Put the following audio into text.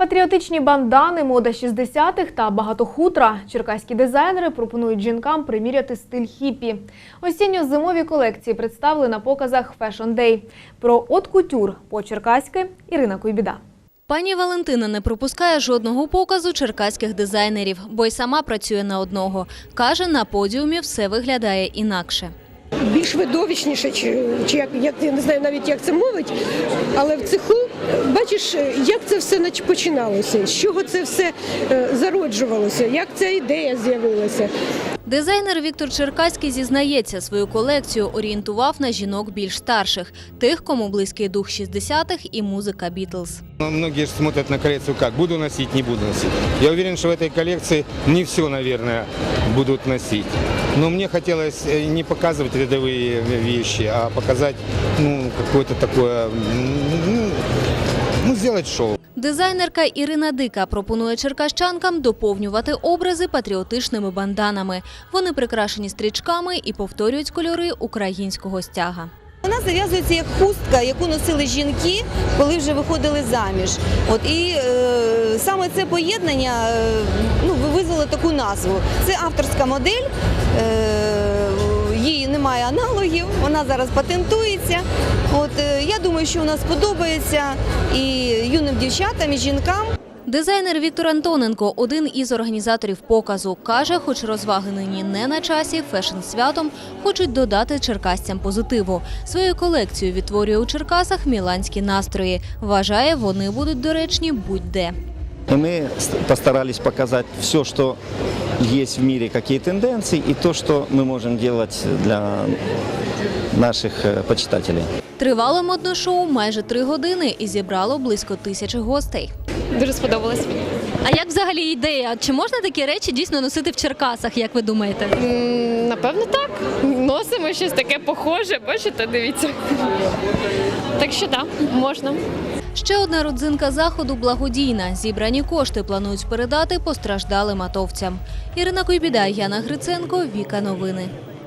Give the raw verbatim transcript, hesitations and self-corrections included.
Патріотичні бандани, мода шістдесятих та багато хутра. Черкаські дизайнери пропонують жінкам приміряти стиль хіппі. Осінньо-зимові колекції представили на показах Fashion Day. Про от-кутюр по-черкаськи Ірина Куйбіда. Пані Валентина не пропускає жодного показу черкаських дизайнерів, бо й сама працює на одного. Каже, на подіумі все виглядає інакше. Більш видовищніше, чи, чи як, як, я не знаю навіть, як це мовить, але в цеху бачиш, як це все починалося, з чого це все зароджувалося, як ця ідея з'явилася. Дизайнер Віктор Черкаський зізнається, свою колекцію орієнтував на жінок більш старших, тих, кому близький дух шістдесятих і музика Бітлз. Многие смотрят на коллекцию как, буду носить, не буду носить. Я уверен, что в этой коллекции не все, наверное, будут носить. Но мне хотелось не показывать рядовые вещи, а показать, ну, какое-то такое, ну, ну, сделать шоу. Дизайнерка Ірина Дика пропонує черкащанкам доповнювати образи патріотичними банданами. Вони прикрашені стрічками і повторюють кольори українського стяга. Вона зав'язується як хустка, яку носили жінки, коли вже виходили заміж. От, і е, саме це поєднання е, ну, визвало таку назву. Це авторська модель, е, її немає аналогів, вона зараз патентується. От, е, я думаю, що вона сподобається і юним дівчатам, і жінкам. Дизайнер Віктор Антоненко – один із організаторів показу. Каже, хоч розваги нині не на часі, фешн-святом хочуть додати черкасцям позитиву. Свою колекцію відтворює у Черкасах міланські настрої. Вважає, вони будуть доречні будь-де. Мы постарались показать все, что есть в мире, какие тенденции, и то, что мы можем делать для наших почитателей. Тривало модне шоу майже три години і зібрало близько тисячі гостей. Дуже сподобалось. А як взагалі ідея? Чи можна такі речі дійсно носити в Черкасах, як ви думаєте? М, Напевно, так. Носимо щось таке похоже, бачите, дивіться. Так що так, можна. Ще одна родзинка заходу – благодійна. Зібрані кошти планують передати постраждалим атовцям. Ірина Куйбіда, Яна Гриценко, Віка Новини.